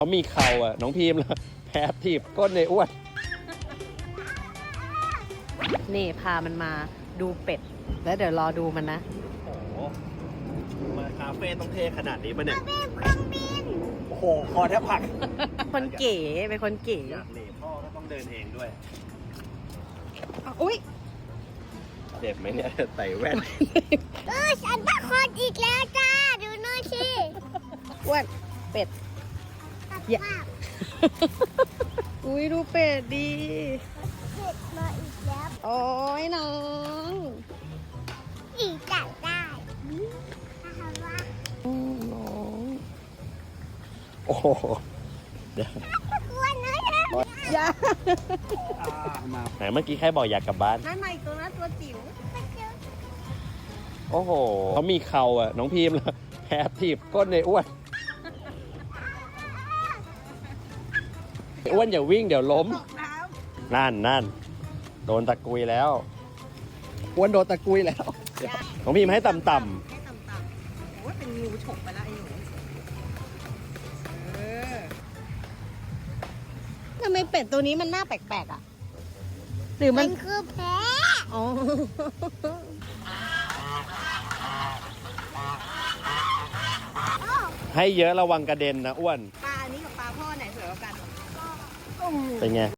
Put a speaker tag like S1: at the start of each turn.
S1: เขามีเข่าอ่ะน้องพีมแล้วแพ้ถีบก้นในอ้วนนี่พามันมาดูเป็ดแล้วเดี๋ยวรอดูมันนะโอ้โหมาคาเฟ่ต้องเท่ขนาดนี้ปะเนี่ยโอ้โหคอแทบผักคนเก๋เป็นคนเก๋อยากเหล่พ่อก็ต้องเดินเองด้วยอุ้ยเจ็บไหมเนี่ยใส่แว่น
S2: ฉันตะคอนอีกแล้วจ้าดูหน่อยสิ
S1: อ้วนเป็ดอย่าอุ้ยดูเป็ดดี
S2: เป็ดมาอีกแล้ว
S1: โอ้ยน้อง
S2: อีกจับได้นะคะว่า
S1: น้องโอ้โหเดี๋ยว
S2: กลัวนะ
S1: อย่าไหนเมื่อกี้ใครบอกอยากกลับบ้าน
S2: นั่นใหม่ตัวนั้นตัวจิ๋ว
S1: โอ้โหเขามีเข่าอ่ะน้องพีมแล้วแพ้ถีบก้นในอ้วนอ้วนอย่าวิ่งเดี๋ยวล้มนั่นโดนตะกุยแล้วอ้วนโดนตะกุยแล้วน้องพีมให้ต่ำ
S2: ให้ต่ำๆโอ้ยเป็นงูฉกไปแล้วไอ้หนูทำไมเป็ดตัวนี้มันหน้าแปลกๆอ่ะหรือมันคือแพ้อ๋อ
S1: ให้เยอะระวังกระเด็นนะอ้วน
S2: ปลาอันนี้กับปลาพ่อไหนสวยกว่ากัน
S1: เป็นไง